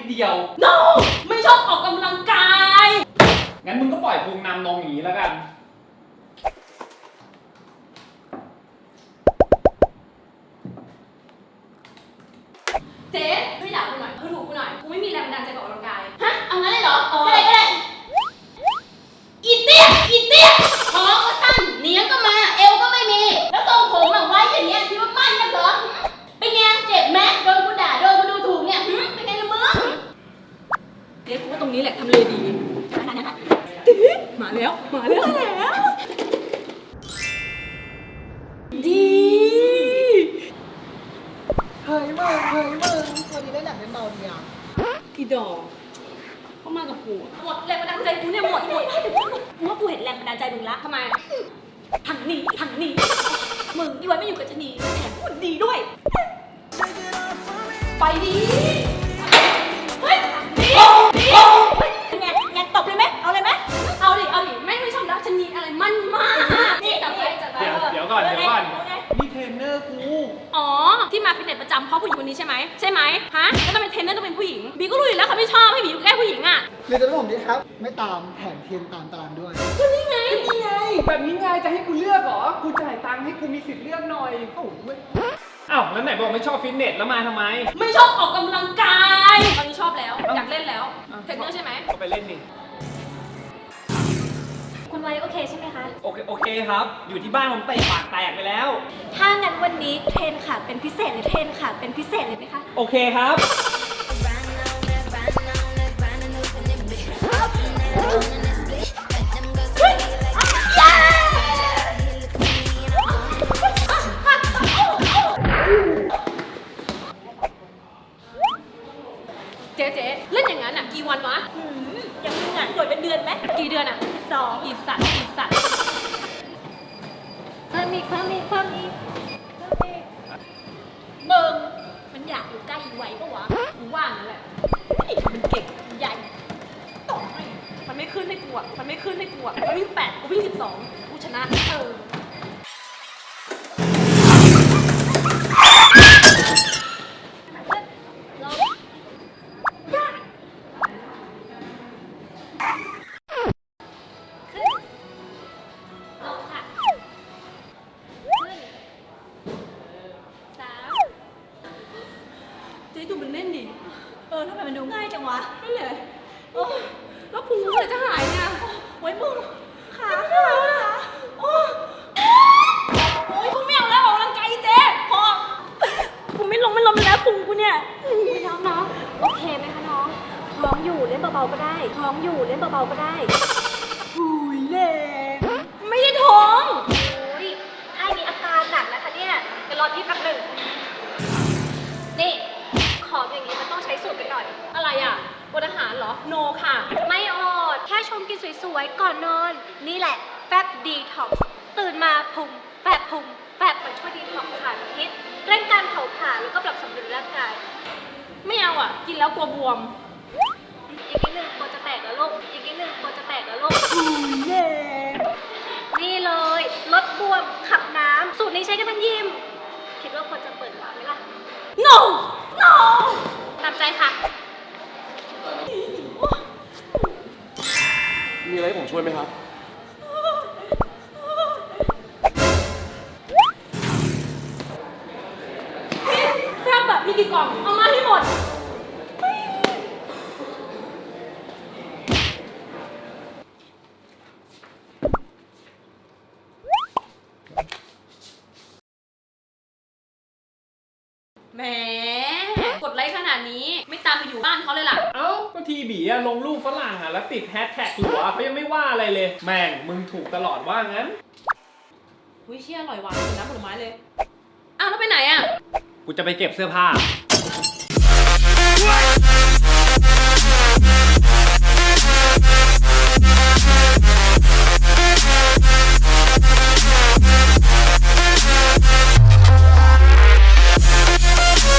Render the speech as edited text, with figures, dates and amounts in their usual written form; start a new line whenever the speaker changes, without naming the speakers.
ดเดียว
no ไม่ชอบออกกำลังกาย
งั้นมึงก็ปล่อยพุงนำนงอย่างนี้แล้วกัน
เจ๊ช่วยด่ากูหน่อยดูถูกกูหน่อยกูไม่มีแรงบันดาลใจออกกำลังกายฮะเอางั้นเลยเหรอก็ได้อีเตี้ยท้องก็สั้นเนี้ยก็มาเอวก็ไม่มีแล้วทรงผมแบบไว้อย่างเงี้ยคิดว่ามั่นกันเหรอเป็นไงเจ็บไหมโดนกูด่าโดนกูดูถูกเนี่ยเป็นไงละมึงเจ๊กูว่าตรงนี้แหละทำเลดีมาแล้วดี
เฮ้ยมึงวันนี้ได้หนังเป็นเบาเนี่ย
กี่ดอกเข้ามากับกูหมดแรงบันดาลใจกูเนี่ยหมดกูว่ากูเห็นแรงบันดาลใจมึงละทำไมทางนี้มึงอีไว้ไม่อยู่กับชะนีแถมพูดดีด้วยไปดีเฮ้ยดีไงตบเลยไหมเอาเลยไหมเอาดิไม่ชอบรักชะนีอะไรมันมากนี่จับไป
เดี๋ยวก่อนนี่เทรนเนอร์กู
อ๋อที่มาฟิตเนสประจำเพราะผู้หญิงคนนี้ใช่ไหมฮะแล้วทำไมเทรนเนอร์ต้องเป็นผู้หญิงบีก็รู้อยู่แล้วเขาไม่ชอบให้บีอยู่ใกล้ผู้หญิงอ่ะ
เรียนจะผมดีครับ ไม่ตามแผนเทียนตามตารางด้วย
ก็นี่ไง
แบบนี้ไงจะให้กูเลือกเหรอ กูจ่ายตังค์ให้กูมีสิทธิ์เลือกหน่อย
โอ้โห
อ้าวแล้วไหนบอกไม่ชอบฟิตเนสแล้วมาทำไม
ไม่ชอบออกกำลังกายตอนนี้ชอบแล้วอยากเล่นแล้วเทรนเนอร์ใช่ไหม
ก็ไปเล่นดิ
คุณไว้โอเคใช่ไหมคะ
โอเคครับ อยู่ที่บ้านผมเตะปากแตกไปแล้ว
ถ้างั้นวันนี้เทรนขาเป็นพิเศษหรือเทรนขาเป็นพิเศษเลยไหมคะ
โอเคครับ
เจ๊เล่นอย่างนั้นอ่ะกี่วันวะ
ยังมีงานหน่วยเป็นเดือนไหม
กี่เดือนอ่ะ
2
อีสัตว์
เพิ่มอีก
เบิ่งมันอยากอยู่ใกล้ไว้ปะวะกูว่านั่นแหละมันเก่งมันใหญ่ต่อให้มันไม่ขึ้นให้กูอ่ะมันวิ่ง8กูวิ่ง12กูชนะ
ลงค่ะ
เจ๊ดูมันเล่นดิ
ทำไมมันดูง่ายจังวะ
นั่นแหละแล้วพุงเมื่อไหร่จะหายเนี่ย
ไว้มึงขา
โอ้ยพุงไม่เอาแล้วออกกำลังกายเจ๊พอพุงไม่ลงแล้วพุงกูเนี่ย
น้องโอเคไหมคะน้อง ท้องอยู่เล่นเบาๆก็ได้
หุยแรงไม่ได้ท้อง
อุ้ยถ้ามีอาการหนักนะคะเนี่ยเดี๋ยวรอพี่แป๊บหนึ่งนี่ ของอย่างนี้มันต้องใช้สูตรกันหน่อย
อะไรอ่ะบนอาหารเหรอ โนค่ะ
ไม่อดแค่ชมกินสวยๆ ก่อนนอน นี่แหละแฟบดีท็อกซ์ตื่นมาพุงแฟบมันช่วยดีท็อกซ์สารพิษเร่งการเผาผลาญแล้วก็ปรับสมดุลร่างกาย
ไม่เอาอ่ะ กินแล้วกลัวบวม
อีกนิดนึงกลัวจะแตกแล้วลูกนี่เลยลดบวมขับน้ำสูตรนี้ใช้กันทั้งยิม คิดว่าควรจะเปิดร้านไหมล่ะ
no
ตามใจค่ะ
มีอะไรให้ผมช่วยไหมครับ
แซ่บแบบมีกี่กล่อง เอามาให้หมดแหมกดไลค์ขนาดนี้ไม่ตามไปอยู่บ้านเขาเลยล่ะ
เอ้าก็ทีบีอะลงรูปฝรั่งอะแล้วติดแฮชแท็กหัวเขายังไม่ว่าอะไรเลย แม่งมึงถูกตลอดว่างั้น
อุ้ยเชี่ยอร่อยหวานน้ำผลไม้เลย อ้าวแล้วไปไหนอ่ะ
กูจะไปเก็บเสื้อผ้า